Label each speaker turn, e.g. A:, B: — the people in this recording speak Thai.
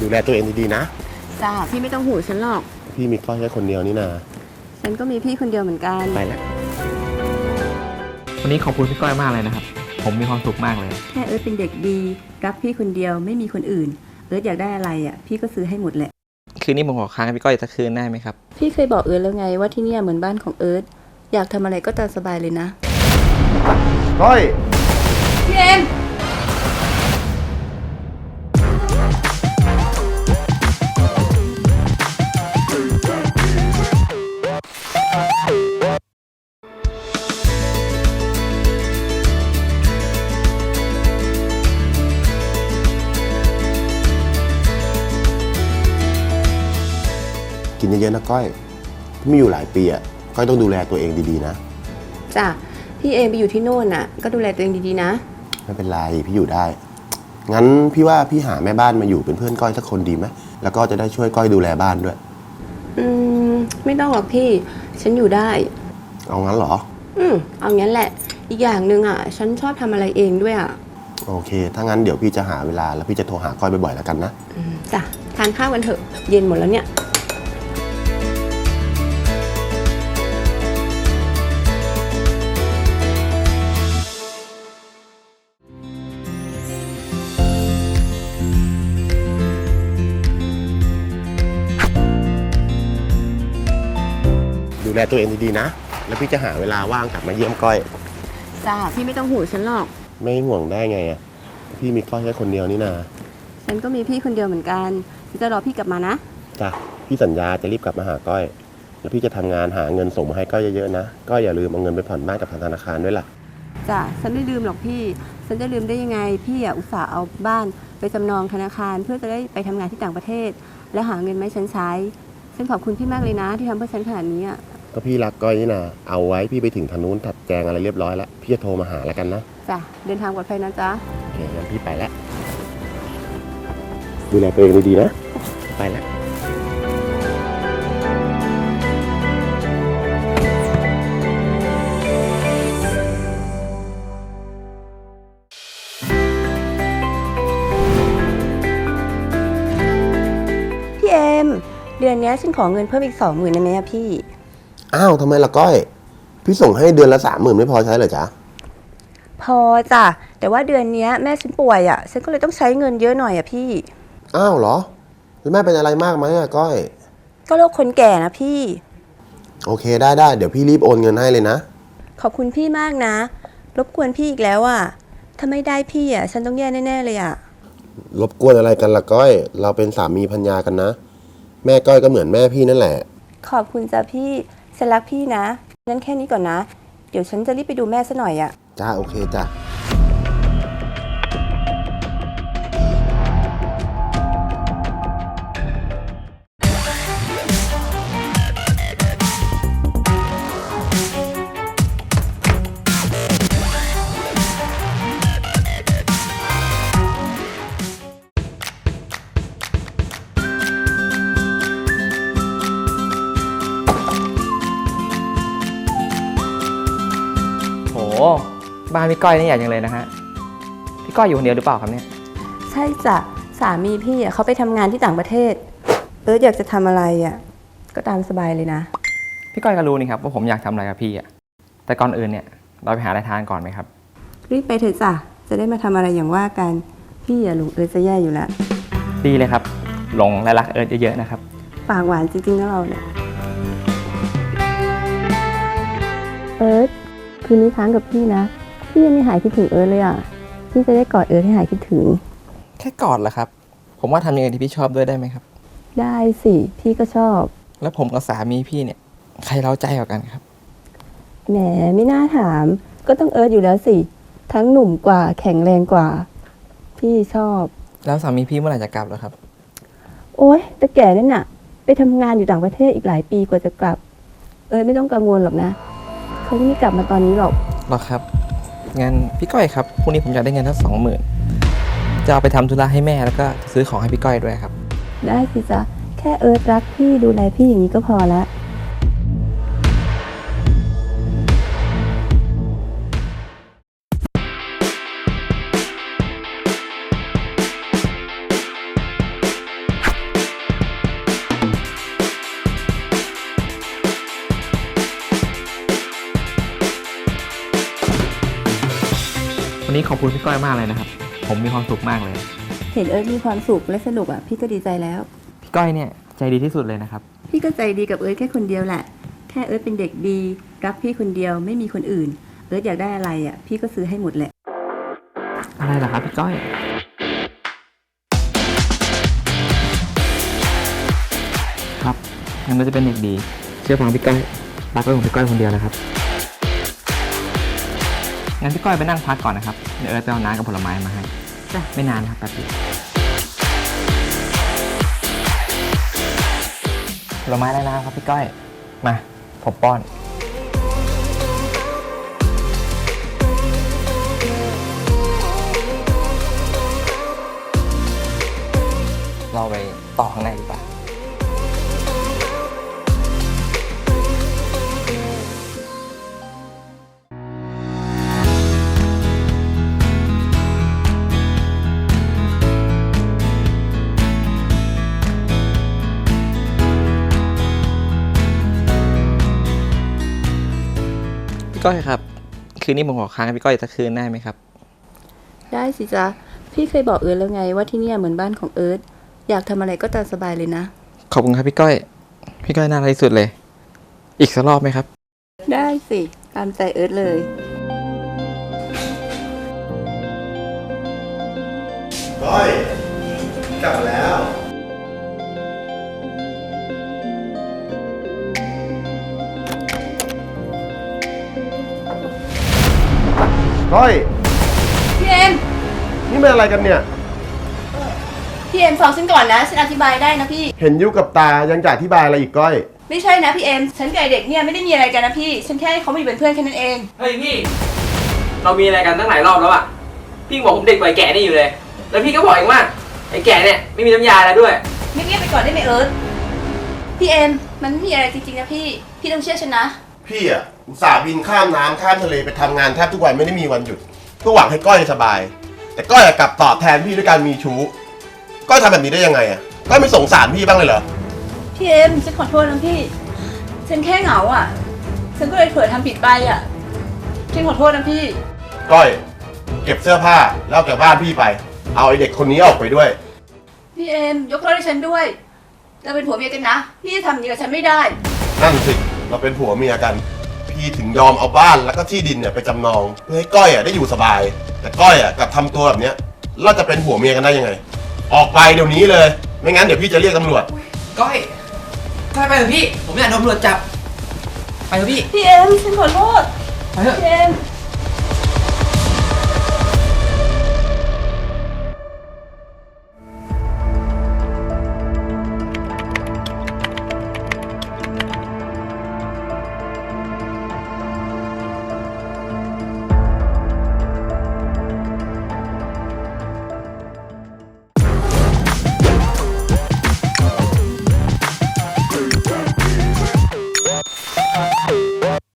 A: ดูแลตัวเองดีๆนะ
B: จ้าพี่ไม่ต้องห่วงฉันหรอก
A: พี่มีก้อยแค่คนเดียวนี่นา
B: ฉันก็มีพี่คนเดียวเหมือนกัน
A: ไปแล้ว
C: วันนี้ขอบคุณพี่ก้อยมากเลยนะครับผมมีความสุขมากเลย
B: แค่เอิร์ธเป็นเด็กดีรักพี่คนเดียวไม่มีคนอื่นเอิร์ธอยากได้อะไรอ่ะพี่ก็ซื้อให้หมดแหละ
C: คืนนี้ผมขอค้างพี่ก้อยสักคืนได้ไหมครับ
B: พี่เคยบอกเอิร์ธแล้วไงว่าที่นี่เหมือนบ้านของเอิร์ธอยากทำอะไรก็ตามสบายเลยนะ
A: ก้อย
B: พี่เอ็ม
A: กินเยอะๆนะก้อยไม่อยู่หลายปีอ่ะก้อยต้องดูแลตัวเองดีๆนะ
B: จ้ะพี่เองไปอยู่ที่โน่นน่ะก็ดูแลตัวเองดีๆนะ
A: ไม่เป็นไรพี่อยู่ได้งั้นพี่ว่าพี่หาแม่บ้านมาอยู่เป็นเพื่อนก้อยสักคนดีไหมแล้วก็จะได้ช่วยก้อยดูแลบ้านด้วย
B: ไม่ต้องหรอกพี่ฉันอยู่ได้
A: เอางั้นเหรอ
B: เอางั้นแหละอีกอย่างหนึ่งอ่ะฉันชอบทำอะไรเองด้วยอ่ะ
A: โอเคถ้างั้นเดี๋ยวพี่จะหาเวลาแล้วพี่จะโทรหาก้อยบ่อยๆแล้วกันนะ
B: จ้ะทานข้าวกันเถอะเย็นหมดแล้วเนี่ย
A: ดูแลตัวเองดีๆนะแล้วพี่จะหาเวลาว่างกลับมาเยี่ยมก้อย
B: จ้าพี่ไม่ต้องห่วงฉันหรอก
A: ไม่ห่วงได้ไงอ่ะพี่มีก้อยแค่คนเดียวนี่นา
B: ฉันก็มีพี่คนเดียวเหมือนกันจะรอพี่กลับมานะ
A: จ้ะพี่สัญญาจะรีบกลับมาหาก้อยแล้วพี่จะทำงานหาเงินส่งมาให้ก้อยเยอะๆนะก้อยอย่าลืมเอาเงินไปผ่อนบ้านกับธนาคารด้วยล่ะ
B: จ้ะฉันไม่ลืมหรอกพี่ฉันจะลืมได้ยังไงพี่อุตส่าห์เอาบ้านไปจำนองธนาคารเพื่อจะได้ไปทำงานที่ต่างประเทศและหาเงินมาให้ฉันใช้ฉันขอบคุณพี่มากเลยนะที่ทำเพื่อฉันขนาดนี้อ่ะ
A: ก็พี่รักก้อยนี่นะเอาไว้พี่ไปถึงทางนู้นถัดแจงอะไรเรียบร้อยแล้วพี่จะโทรมาหาแล้วกันนะ
B: จ้ะเดินทางปลอดภัยนะจ๊ะ
A: โอเคงั้นพี่ไปแล้วดูแลตัวเองดีๆนะไปแล้ว
B: พี่เอ็มเดือนนี้ฉันขอเงินเพิ่มอีก20,000ได้ไหมอะพี่
A: อ้าวทำไมล่ะก้อยพี่ส่งให้เดือนละ30,000ไม่พอใช้เหรอจ๊ะ
B: พอจ้ะแต่ว่าเดือนนี้แม่ฉันป่วยอ่ะฉันก็เลยต้องใช้เงินเยอะหน่อยอ่ะพี่
A: อ้าวเหรอแล้วแม่เป็นอะไรมากไหมอะก้อย
B: ก็โรคคนแก่นะพี่
A: โอเคได้เดี๋ยวพี่รีบโอนเงินให้เลยนะ
B: ขอบคุณพี่มากนะรบกวนพี่อีกแล้วอ่ะถ้าไม่ได้พี่อ่ะฉันต้องแย่แน่ๆเลยอ่ะ
A: รบกวนอะไรกันล่ะก้อยเราเป็นสามีภรรยากันนะแม่ก้อยก็เหมือนแม่พี่นั่นแหละ
B: ขอบคุณจ้ะพี่ฉันรักพี่นะงั้นแค่นี้ก่อนนะเดี๋ยวฉันจะรีบไปดูแม่ซะหน่อยอ่ะ
A: จ้าโอเคจ้า
C: โหบ้านพี่ก้อยนี่ใหญ่จังเลยนะฮะพี่ก้อยอยู่คนเดียวหรือเปล่าครับเนี่ย
B: ใช่จ้ะสามีพี่อ่ะเขาไปทำงานที่ต่างประเทศอยากจะทำอะไรอ่ะก็ตามสบายเลยนะ
C: พี่ก้อยก็รู้นี่ครับว่าผมอยากทำอะไรกับพี่อ่ะแต่ก่อนอื่นเนี่ยเราไปหาอะไรทานก่อนไหมครับ
B: รีบไปเถอะจ้ะจะได้มาทำอะไรอย่างว่ากันพี่หลงจะแย่อยู่แล้ว
C: ดีเลยครับหลงและรักเยอะๆนะครับ
B: ปากหวานจริงๆนะเราเนี่ยคืนนี้ค้างกับพี่นะพี่ยังไม่หายคิดถึงเลยอ่ะพี่จะได้กอดให้หายคิดถึง
C: แค่กอดเหรอครับผมว่าทำอย่างอื่นที่พี่ชอบด้วยได้ไหมครับ
B: ได้สิพี่ก็ชอบ
C: แล้วผมกับสามีพี่เนี่ยใครเร้าใจกว่ากันครับ
B: แหมไม่น่าถามก็ต้องอยู่แล้วสิทั้งหนุ่มกว่าแข็งแรงกว่าพี่ชอบ
C: แล้วสามีพี่เมื่อไหร่จะกลับแล้วครับ
B: โอ๊ยแต่แก่นั่นน่ะไปทำงานอยู่ต่างประเทศอีกหลายปีกว่าจะกลับไม่ต้องกังวลหรอกนะเขาไม่กลับมาตอนนี้หรอก
C: ครับงั้นพี่ก้อยครับพรุ่งนี้ผมอยากได้เงินทั้ง20,000จะเอาไปทำธุระให้แม่แล้วก็ซื้อของให้พี่ก้อยด้วยครับ
B: ได้สิจ๊ะแค่รักพี่ดูแลพี่อย่างนี้ก็พอละ
C: วันนี้ขอบคุณพี่ก้อยมากเลยนะครับ ผมมีความสุขมากเลย
B: เห็นเอิร์ธมีความสุขและสนุกอ่ะพี่ก็ดีใจแล้ว
C: พี่ก้อยเนี่ยใจดีที่สุดเลยนะครับ
B: พี่ก็ใจดีกับเอิร์ธแค่คนเดียวแหละ แค่เอิร์ธเป็นเด็กดีรักพี่คนเดียวไม่มีคนอื่น เอิร์ธอยากได้อะไรอ่ะพี่ก็ซื้อให้หมดแหละ
C: อะไรล่ะครับพี่ก้อย ครับงั้นเราจะเป็นเด็กดี เชื่อฟังพี่ก้อยรักไว้ของพี่ก้อยคนเดียวนะครับ งั้นพี่ก้อยไปนั่งพักก่อนนะครับ เดี๋ยวเอิร์ธไปเอาน้ำกับผลไม้มาให้
B: จ้ะ
C: ไม่นานนะครับแป๊บเดียวผลไม้ได้แล้วครับพี่ก้อย มาผมป้อน เราไปต่อข้างในดีกว่าพี่ก้อยครับ คืนนี้ผมขอค้างกับพี่ก้อยสักคืนได้ไหมครับ
B: ได้สิจ๊ะพี่เคยบอกเอิร์ธแล้วไงว่าที่เนี่ยเหมือนบ้านของเอิร์ธอยากทำอะไรก็ตามสบายเลยนะ
C: ขอบคุณครับพี่ก้อย พี่ก้อยน่ารักที่สุดเลย อีกสักรอบไหมครับ
B: ได้สิตามใจเอิร์ธเลย
A: ก้อยกลับมาแล้ว ก้อย
B: พี่เอ็ม
A: นี่มันอะไรกันเนี่ย
B: พี่เอ็มฟังฉันก่อนนะฉันอธิบายได้นะพี่
A: เห็นยุกับตายังจะอธิบายอะไรอีกก้อย
B: ไม่ใช่นะพี่เอ็มฉันกับไอ้เด็กเนี่ยไม่ได้มีอะไรกันนะพี่ฉันแค่ให้เขามาอยู่เป็นเพื่อนแค่นั้นเอง
D: เฮ้ยพี่ เรามีอะไรกันตั้งหลายรอบแล้วอะพี่บอกผมเด็กกว่าไอ้แก่นี่อยู่เลย แล้วพี่ก็บอกเองว่าไอ้แก่เนี่ยไม่มีน้ำยาแล้วด้วย
B: เงียบๆไปก่อนได้ไหมเอิร์ธพี่เอ็มมันไม่มีอะไรจริงๆนะพี่ต้องเชื่อฉันนะ
A: พี่อ่ะอุตส่าห์บินข้ามน้ำข้ามทะเลไปทำงานแทบทุกวันไม่ได้มีวันหยุดเพื่อหวังให้ก้อยสบาย แต่ก้อยอะกลับตอบแทนพี่ด้วยการมีชู้ก้อยทำแบบนี้ได้ยังไงอ่ะก้อยไม่สงสารพี่บ้างเลยเหรอ
B: พี่เอ็มฉันขอโทษนะพี่ ฉันแค่เหงาอ่ะ ฉันก็เลยเผลอทำผิดไปอ่ะฉันขอโทษนะพี่
A: ก้อย เก็บเสื้อผ้าแล้วออกจากบ้านพี่ไป เอาไอเด็กคนนี้ออกไปด้วย
B: พี่เอ็มยกโทษให้ฉันด้วย เราเป็นผัวเมียกันนะ พี่จะทำอย่างนี้กับฉันไม่ได้
A: นั่นสิเราเป็นผัวเมียกัน พี่ถึงยอมเอาบ้านแล้วก็ที่ดินเนี่ยไปจำนองเพื่อให้ก้อยอ่ะได้อยู่สบาย แต่ก้อยอ่ะกลับทำตัวแบบเนี้ยเราจะเป็นผัวเมียกันได้ยังไง ออกไปเดี๋ยวนี้เลย ไม่งั้นเดี๋ยวพี่จะเรียกตำรวจ
D: ก้อยก้อยไปเถอะพี่ ผมอยากโดนตำรวจจับ ไปเถอะพี่
B: พี่เอ็มฉันขอโทษ
D: ไปเถอะ
B: พี่เอ็ม